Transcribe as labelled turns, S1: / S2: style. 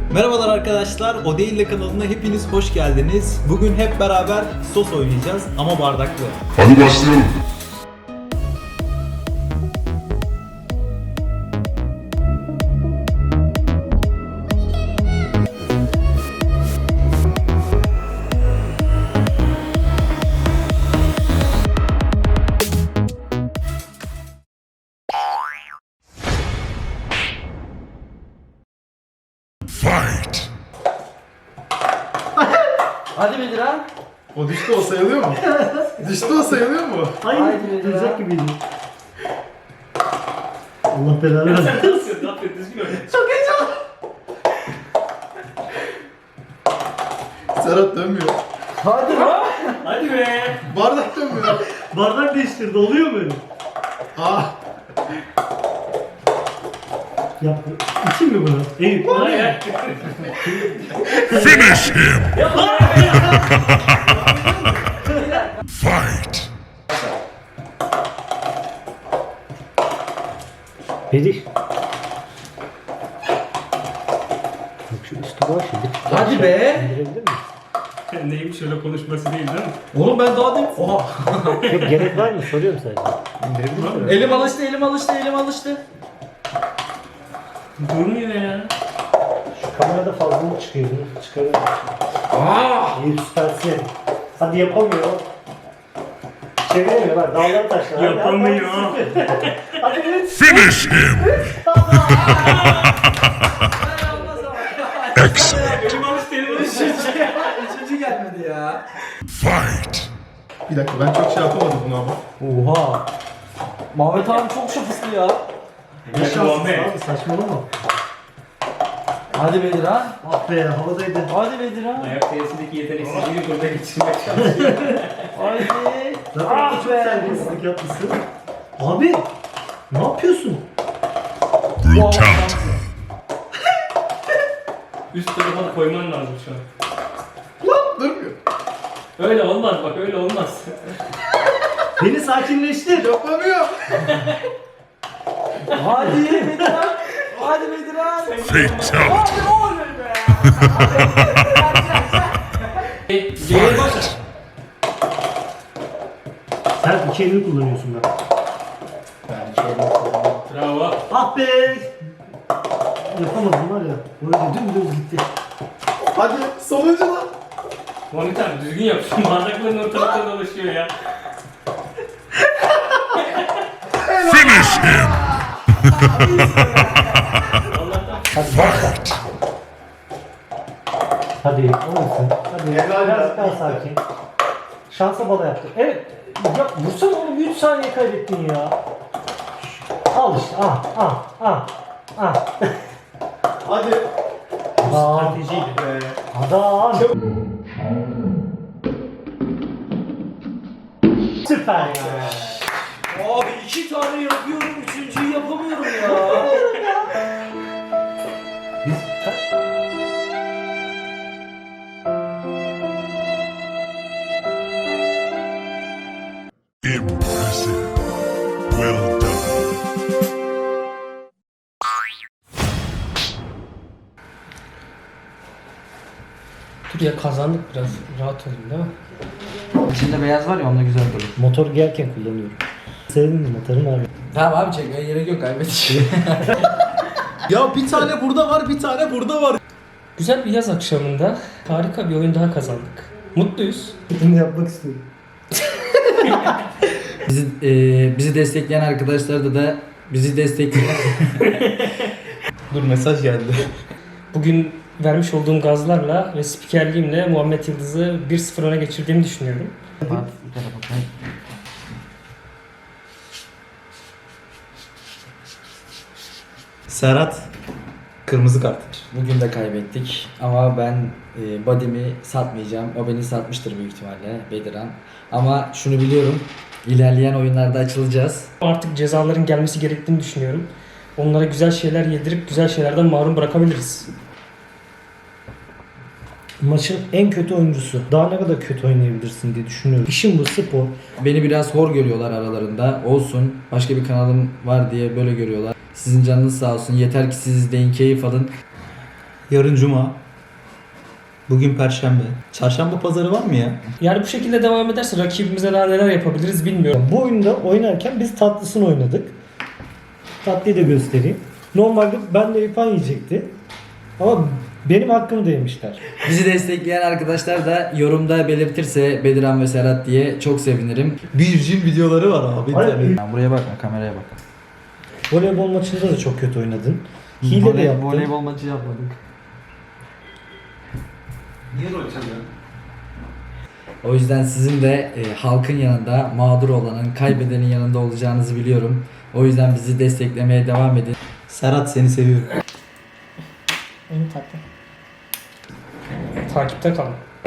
S1: Merhabalar arkadaşlar, O Değil de kanalına hepiniz hoş geldiniz. Bugün hep beraber sos oynayacağız ama bardaklı.
S2: Hadi başlayalım. Fight!
S3: Hadi Bedirhan.
S4: O düştü o sayılıyor mu? Düştü o sayılıyor mu?
S3: Hayır,
S5: Hayır,
S3: Bedirhan.
S5: duracak gibiydi. Allah belanı versin.
S6: Nasıl? Ne yapıyorsun? Düzgün oyna.
S4: Serhat dönmüyor.
S3: Hadi lan.
S6: Hadi be.
S4: Bardak dönmüyor.
S5: Bardak değiştirdi, oluyor mu öyle?
S4: Aa.
S5: Yaptı. İçin mi bunu? Eyüp.
S6: Hayır.
S2: Finish him! Fight!
S5: Bedih. Bak şu üstü boş ya.
S3: Hadi be.
S5: İndirebilir miyiz?
S6: Neymiş öyle konuşması değil değil mi?
S3: Oğlum ben daha demin... Oha.
S5: Yok, gerek var mı? Soruyorum sadece.
S3: Elim alıştı.
S6: Durmuyor ya.
S5: Şu kamerada fazla mı çıkıyor? Bunu çıkarıyorum. Eyüp süpersin. Hadi yapamıyor. Çeviremiyor bak, dağlar taşlar. Hadi,
S6: Yapamıyor.
S5: Hadi evet.
S2: Finish him! Excellent!
S6: Elim alıştı elim alıştı.
S3: Üçüncü gelmedi ya.
S2: Fight!
S4: Bir dakika ben çok şey yapamadım bunu ama.
S3: Oha. Mehmet abi çok şanslı ya.
S5: Ne şanssız
S6: Muhammed.
S5: abi, saçmalama.
S3: Hadi Bedirhan.
S5: Ah be, havadaydı.
S3: Hadi Bedirhan.
S6: Ayak teyesindeki yeteneksizliği burada geçirmek çalışıyor.
S3: Hadi.
S5: Zaten
S3: Ah
S5: çok
S3: be.
S5: terbiyesizlik yapmışsın. Abi, ne yapıyorsun?
S2: Brutality!
S6: Üst tarafa koyman lazım şu an.
S4: Lan durmuyor.
S6: Öyle olmaz bak öyle olmaz.
S5: Beni sakinleştir.
S4: Yapamıyor.
S3: Hadi Bedirhan. Hadi Bedirhan.
S2: Fatality!
S6: Geri başla.
S5: Sen iki elini kullanıyorsun bak.
S6: Bravo.
S5: Ah be! Yapamadım var ya. Böyle dümdüz gitti.
S4: Hadi sonuncu lan.
S6: Monitör düzgün yap. Şu bardakların ortalıkta dolaşıyor ya.
S2: Finish him!
S6: Allah'tan.
S5: Hadi başla. Hadi olmasın. Hadi biraz daha sakin. Şansa bala yaptı. Evet. Ya vursana oğlum, 3 saniye kaybettin ya. Al işte. Ah.
S4: Hadi.
S5: Adam.
S4: Be.
S5: Adam. Süper ya.
S3: Abi 2 tane yapıyorum, üçüncüyü yapamıyorum ya.
S5: Biz
S2: Impressive! Well done!
S6: Dur ya kazandık biraz. Rahat olun değil mi?
S3: İçinde beyaz var ya onunla güzel durur.
S5: motor giyerken kullanıyorum. Senin motorun abi.
S3: Tamam abi çekmeye gerek yok kaybedeceğim.
S4: Ya bir tane burada var, bir tane burada var.
S6: Güzel bir yaz akşamında harika bir oyun daha kazandık. Mutluyuz.
S5: Bunu yapmak istiyorum.
S3: Bizi destekleyen arkadaşlar da bizi destekleyen.
S4: Dur mesaj geldi.
S6: Bugün vermiş olduğum gazlarla ve spikerliğimle Muhammed Yıldız'ı 1-0 öne geçirdiğimi düşünüyorum.
S4: Serhat. Kırmızı kart.
S3: Bugün de kaybettik ama ben body'mi satmayacağım. O beni satmıştır büyük ihtimalle Bedirhan. Ama şunu biliyorum. İlerleyen oyunlarda açılacağız.
S6: Artık cezaların gelmesi gerektiğini düşünüyorum. Onlara güzel şeyler yedirip güzel şeylerden mahrum bırakabiliriz.
S5: Maçın en kötü oyuncusu. Daha ne kadar kötü oynayabilirsin diye düşünüyorum. İşin bu, spor.
S3: Beni biraz hor görüyorlar aralarında. Olsun. Başka bir kanalım var diye böyle görüyorlar. Sizin canınız sağ olsun. Yeter ki siz izleyin, keyif alın.
S1: Yarın cuma. Bugün perşembe. Çarşamba pazarı var mı ya?
S6: Yani bu şekilde devam ederse rakibimize daha neler yapabiliriz bilmiyorum.
S5: Bu oyunda oynarken biz tatlısını oynadık. Tatlıyı da göstereyim. Normalde ben de İrfan yiyecekti. Ama benim hakkımı da yemişler.
S3: Bizi destekleyen arkadaşlar da yorumda belirtirse Bediran ve Serhat diye çok sevinirim.
S1: Virgin videoları var abi.
S5: Hayır,
S1: tabii.
S3: Buraya bakma, kameraya bak.
S5: Voleybol maçında da çok kötü oynadın. Hile de yaptın.
S3: Voleybol maçı yapmadık.
S1: Niye rol çalıyorsun?
S3: O yüzden sizin de halkın yanında, mağdur olanın, kaybedenin yanında olacağınızı biliyorum. O yüzden bizi desteklemeye devam edin.
S1: Serhat seni seviyorum.
S6: Takipte kalın.